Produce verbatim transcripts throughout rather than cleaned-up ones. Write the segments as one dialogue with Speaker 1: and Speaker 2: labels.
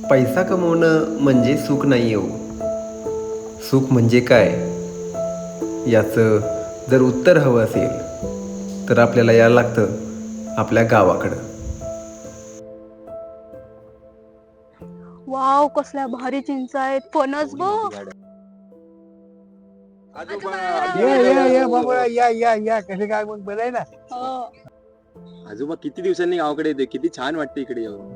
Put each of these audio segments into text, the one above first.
Speaker 1: पैसा कमवणं म्हणजे सुख नाही हो. सुख म्हणजे काय याचं जर उत्तर हवं असेल तर आपल्याला यायला लागतं आपल्या गावाकडं.
Speaker 2: वाव, कसल्या भारी चिंच आहेत. फणस बघ.
Speaker 3: या या या बाबा या या या कसे काय मग बरं आहे ना.
Speaker 2: हो.
Speaker 4: आजोबा किती दिवसांनी गावाकडे येते, किती छान वाटते इकडे येऊन.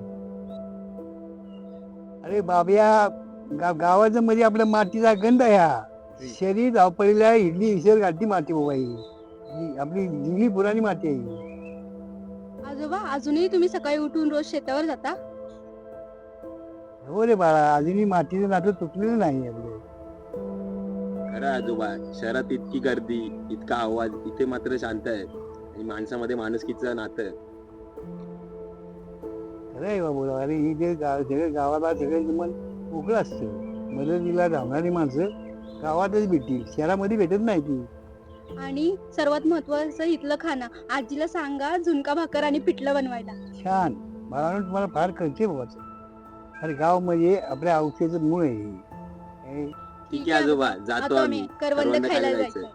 Speaker 3: अरे बाबया, गा गावाचं म्हणजे आपल्या मातीचा गंध आहे हा. शरीर धावपळीला इडली विसर घालती माती बाबा ही. ही आपली जुनी पुराणी माती आहे ही.
Speaker 2: आजोबा, अजूनही तुम्ही सकाळी उठून रोज शेतावर जाता?
Speaker 3: हो रे बाळा, अजूनही मातीचं नातं तुटलेलं नाही आपलं.
Speaker 4: खरं आजोबा, शहरात इतकी गर्दी, इतका आवाज, इथे मात्र शांत आहे आणि माणसामध्ये माणुसकीचं नातं आहे.
Speaker 3: खरं आहे बाबा. अरे ही जे गाव सगळं गावाला सगळं मन मोकळं असतं. मदतीला धावणारी माणसं गावातच भेटतील, शहरामध्ये भेटत नाही ती.
Speaker 2: आणि सर्वात महत्वाचं इथलं खाणं. आजीला सांगा झुणका भाकर आणि पिठलं बनवायला.
Speaker 3: छान. मला तुम्हाला फार कळते बाबाचं. अरे गाव म्हणजे आपल्या औषधाचं मूळ आहे हे.
Speaker 4: ठीक आहे आजोबा, जातो आम्ही.
Speaker 2: करवंद
Speaker 4: करवंद
Speaker 2: खायला
Speaker 4: खायला
Speaker 2: जायचं.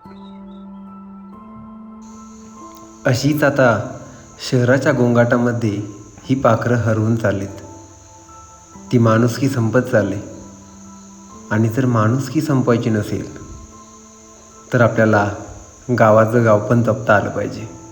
Speaker 1: अशीच आता शहराच्या गोंगाटामध्ये ही पाखरं हरवून चाललीत. ती माणुसकी संपत चालली. आणि जर माणुसकी संपवायची नसेल तर आपल्याला गावाचं गाव पण जपता आलं पाहिजे.